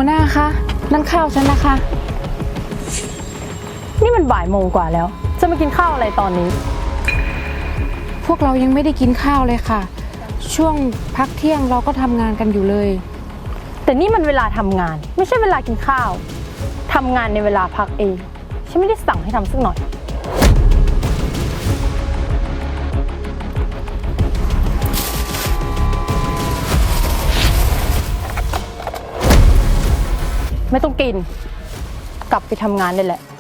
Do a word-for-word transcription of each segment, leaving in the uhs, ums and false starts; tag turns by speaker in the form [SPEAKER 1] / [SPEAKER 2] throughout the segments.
[SPEAKER 1] หัวหน้าคะนั่นข้าวฉันนะคะ
[SPEAKER 2] นี่มันบ่ายโมงกว่าแล้วจะมากินข้าวอะไรตอนนี้
[SPEAKER 1] พวกเรายังไม่ได้กินข้าวเลยค่ะช่วงพักเที่ยงเราก็ทำงานกันอยู่เลย
[SPEAKER 2] แต่นี่มันเวลาทำงานไม่ใช่เวลากินข้าวทำงานในเวลาพักเองฉันไม่ได้สั่งให้ทำสักหน่อยไม่ต้องกินกลับไปทำงานได้แหละ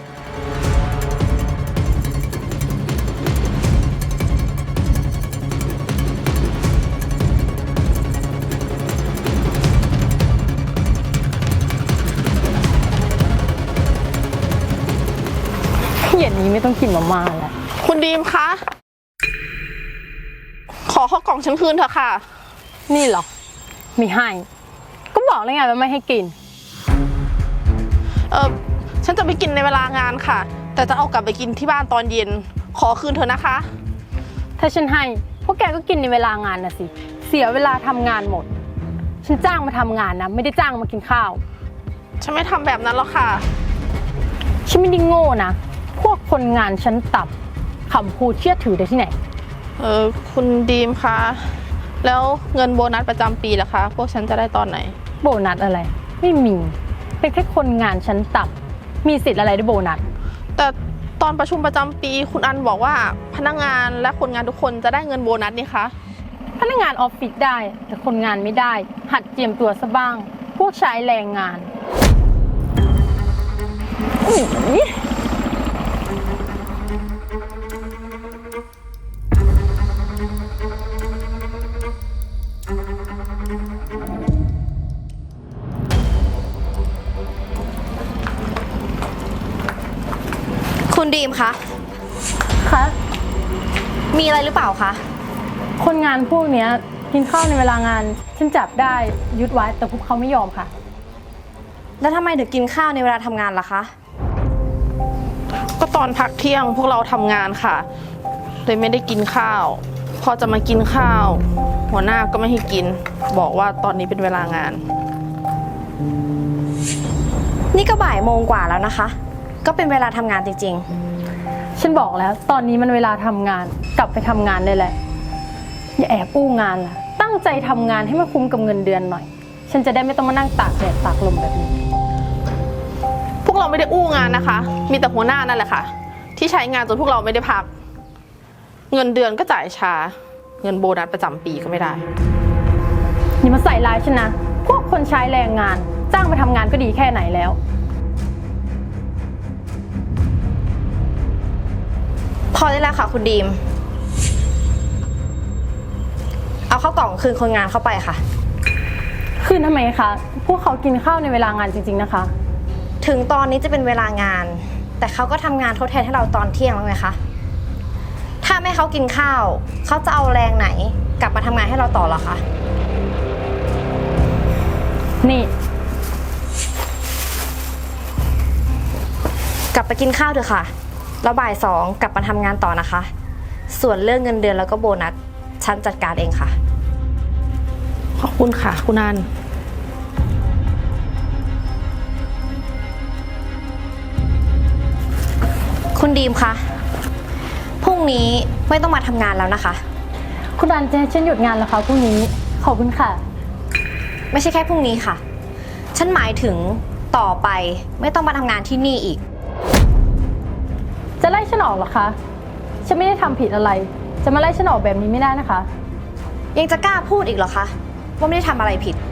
[SPEAKER 2] เย็นนี้ไม่ต้องกินมาม่าแล้ว
[SPEAKER 3] คุณดีมคะ ขอข้าวกล่องฉันคืนเถอะค่ะ
[SPEAKER 2] นี่เหรอไม่ให้ก็บอกแล้วไงว่าไม่ให้กิน
[SPEAKER 3] เออฉันจะไปกินในเวลางานค่ะ แต่จะเอากลับไปกินที่บ้านตอนเย็น ขอคืนเถอะนะคะ
[SPEAKER 2] ถ้าฉันให้พวกแกก็กินในเวลางานนะสิเสียเวลาทำงานหมดฉันจ้างมาทำงานนะไม่ได้จ้างมากินข้าว
[SPEAKER 3] ฉันไม่ทำแบบนั้นหรอกค่ะ
[SPEAKER 2] ฉันไม่ได้โง่นะพวกคนงานชั้นต่ำคำพูดเชื่อถือได้ที่ไหน
[SPEAKER 3] เออคุณดีมคะแล้วเงินโบนัสประจำปีล่ะคะพวกฉันจะได้ตอนไหน
[SPEAKER 2] โบนัสอะไรไม่มีเป็นแค่คนงานชั้นต่ำมีสิทธิ์อะไรได้โบนัส
[SPEAKER 3] แต่ตอนประชุมประจำปีคุณอันบอกว่าพนักงานและคนงานทุกคนจะได้เงินโบนัสนี่คะ
[SPEAKER 2] พนักงานออฟฟิศได้แต่คนงานไม่ได้หัดเจียมตัวซะบ้างพวกใช้แรงงาน
[SPEAKER 4] คุณดีมคะ
[SPEAKER 2] คะ
[SPEAKER 4] มีอะไรหรือเปล่าคะ
[SPEAKER 2] คนงานพวกนี้กินข้าวในเวลางานฉันจับได้ยึดไว้แต่พวกเขาไม่ยอมค่ะ
[SPEAKER 4] แล้วทำไมถึงกินข้าวในเวลาทำงานล่ะคะ
[SPEAKER 3] ก็ตอนพักเที่ยงพวกเราทำงานค่ะเลยไม่ได้กินข้าวพอจะมากินข้าวหัวหน้าก็ไม่ให้กินบอกว่าตอนนี้เป็นเวลางาน
[SPEAKER 4] นี่ก็บ่ายโมงกว่าแล้วนะคะก็เป็นเวลาทำงานจริง
[SPEAKER 2] ๆฉันบอกแล้วตอนนี้มันเวลาทำงานกลับไปทำงานได้แหละอย่าแอบอู้งานล่ะตั้งใจทำงานให้มันคุ้มกับเงินเดือนหน่อยฉันจะได้ไม่ต้องมานั่งตากแดดตากลมแบบนี้
[SPEAKER 3] พวกเราไม่ได้อู้งานนะคะมีแต่หัวหน้านั่นแหละค่ะที่ใช้งานจนพวกเราไม่ได้พักเงินเดือนก็จ่ายช้าเงินโบนัสประจำปีก็ไม่ได้
[SPEAKER 2] อย่ามาใส่ร้ายฉันนะพวกคนใช้แรงงานจ้างมาทำงานก็ดีแค่ไหนแล้ว
[SPEAKER 4] พอได้แล้วค่ะคุณดีมเอาข้าวกล่องคืนคนงานเข้าไปค่ะ
[SPEAKER 2] คืนทำไมคะพวกเขากินข้าวในเวลางานจริงๆนะคะ
[SPEAKER 4] ถึงตอนนี้จะเป็นเวลางานแต่เขาก็ทำงานทดแทนให้เราตอนเที่ยงแล้วไงคะถ้าไม่เขากินข้าวเขาจะเอาแรงไหนกลับมาทำงานให้เราต่อหรอคะ
[SPEAKER 2] นี่
[SPEAKER 4] กลับไปกินข้าวเถอะค่ะแล้วบ่ายสองกลับมาทำงานต่อนะคะส่วนเรื่องเงินเดือนแล้วก็โบนัสฉันจัดการเองค่ะ
[SPEAKER 3] ขอบคุณค่ะคุณอัน
[SPEAKER 4] คุณดีมคะพรุ่งนี้ไม่ต้องมาทำงานแล้วนะคะ
[SPEAKER 2] คุณอันจะให้ฉันหยุดงานแล้วคะพรุ่งนี้ขอบคุณค่ะ
[SPEAKER 4] ไม่ใช่แค่พรุ่งนี้ค่ะฉันหมายถึงต่อไปไม่ต้องมาทำงานที่นี่อีก
[SPEAKER 2] จะไล่ฉันออกเหรอคะฉันไม่ได้ทำผิดอะไรจะมาไล่ฉันออกแบบนี้ไม่ได้นะคะ
[SPEAKER 4] ยังจะกล้าพูดอีกเหรอคะว่าไม่ได้ทำอะไรผิด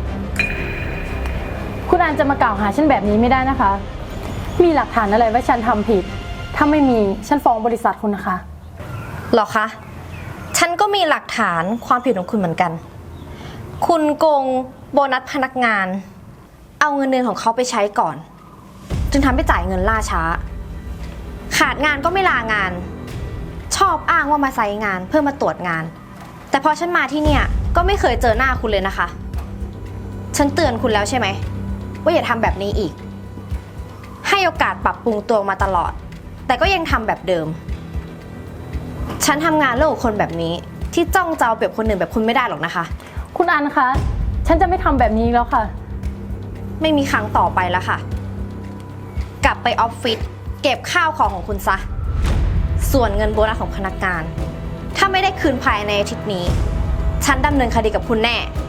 [SPEAKER 2] คุณอันจะมากล่าวหาฉันแบบนี้ไม่ได้นะคะมีหลักฐานอะไรว่าฉันทำผิดถ้าไม่มีฉันฟ้องบริษัทคุณนะคะ
[SPEAKER 4] หรอคะฉันก็มีหลักฐานความผิดของคุณเหมือนกันคุณโกงโบนัสพนักงานเอาเงินเดือนของเขาไปใช้ก่อนจึงทำให้จ่ายเงินล่าช้าขาดงานก็ไม่ลางานชอบอ้างว่ามาไซต์งานเพื่อมาตรวจงานแต่พอฉันมาที่เนี่ยก็ไม่เคยเจอหน้าคุณเลยนะคะฉันเตือนคุณแล้วใช่ไหมว่าอย่าทำแบบนี้อีกให้โอกาสปรับปรุงตัวมาตลอดแต่ก็ยังทำแบบเดิมฉันทำงานเรื่องของคนแบบนี้ที่จ้องจะเอาเปรียบคนอื่นแบบคุณไม่ได้หรอกนะคะ
[SPEAKER 2] คุณอันคะฉันจะไม่ทำแบบนี้แล้วค่ะ
[SPEAKER 4] ไม่มีครั้งต่อไปแล้วค่ะ กลับไปออฟฟิศเก็บข้าวของของคุณซะ ส่วนเงินโบนัสของพนักงาน ถ้าไม่ได้คืนภายในอาทิตย์นี้ ฉันดำเนินคดีกับคุณแน่